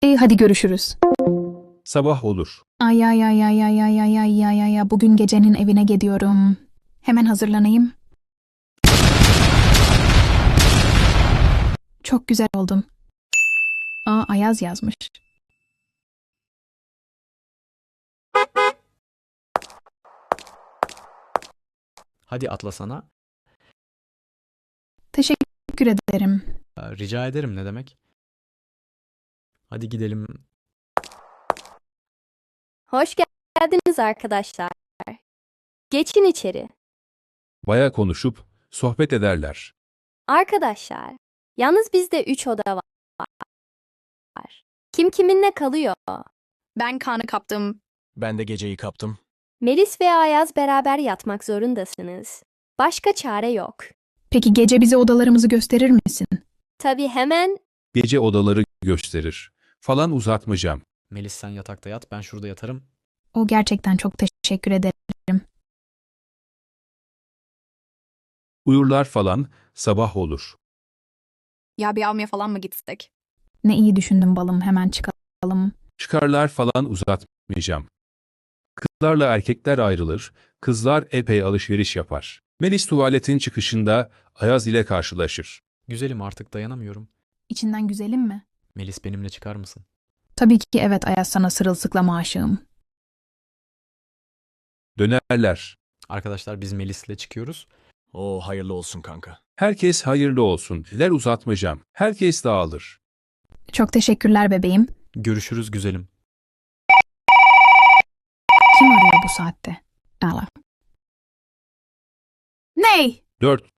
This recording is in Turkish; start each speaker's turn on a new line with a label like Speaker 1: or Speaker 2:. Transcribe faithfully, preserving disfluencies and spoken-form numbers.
Speaker 1: E, hadi görüşürüz.
Speaker 2: Sabah olur.
Speaker 1: Ay ay ay ay ay ay ay ay ay ay ay. Bugün gecenin evine gidiyorum. Hemen hazırlanayım. Çok güzel oldum. Aa, Ayaz yazmış.
Speaker 3: Hadi atlasana.
Speaker 1: Teşekkür ederim.
Speaker 3: Ee, Rica ederim ne demek? Hadi gidelim.
Speaker 4: Hoş geldiniz arkadaşlar. Geçin içeri.
Speaker 2: Baya konuşup sohbet ederler.
Speaker 4: Arkadaşlar, yalnız bizde üç oda var. Kim kiminle kalıyor?
Speaker 5: Ben kanı kaptım.
Speaker 6: Ben de geceyi kaptım.
Speaker 4: Melis ve Ayaz beraber yatmak zorundasınız. Başka çare yok.
Speaker 1: Peki gece bize odalarımızı gösterir misin?
Speaker 4: Tabii hemen
Speaker 2: Gece odaları gösterir. Falan uzatmayacağım.
Speaker 3: Melis sen yatakta yat, ben şurada yatarım.
Speaker 1: O gerçekten çok teşekkür ederim.
Speaker 2: Uyurlar falan, sabah olur.
Speaker 5: Ya bir almaya falan mı gitsek?
Speaker 1: Ne iyi düşündün balım, hemen çıkalım.
Speaker 2: Çıkarlar falan uzatmayacağım. Kızlarla erkekler ayrılır, kızlar epey alışveriş yapar. Melis tuvaletin çıkışında Ayaz ile karşılaşır.
Speaker 3: Güzelim artık dayanamıyorum.
Speaker 1: İçinden güzelim mi?
Speaker 3: Melis benimle çıkar mısın?
Speaker 1: Tabii ki evet Ayaz, sana sırılsıklam aşığım.
Speaker 2: Dönerler.
Speaker 3: Arkadaşlar biz Melis'le çıkıyoruz.
Speaker 6: Oo hayırlı olsun kanka.
Speaker 2: Herkes hayırlı olsun. Ler uzatmayacağım. Herkes dağılır.
Speaker 1: Çok teşekkürler bebeğim.
Speaker 3: Görüşürüz güzelim.
Speaker 1: Kim arıyor bu saatte? Allah. Ney?
Speaker 2: Dört.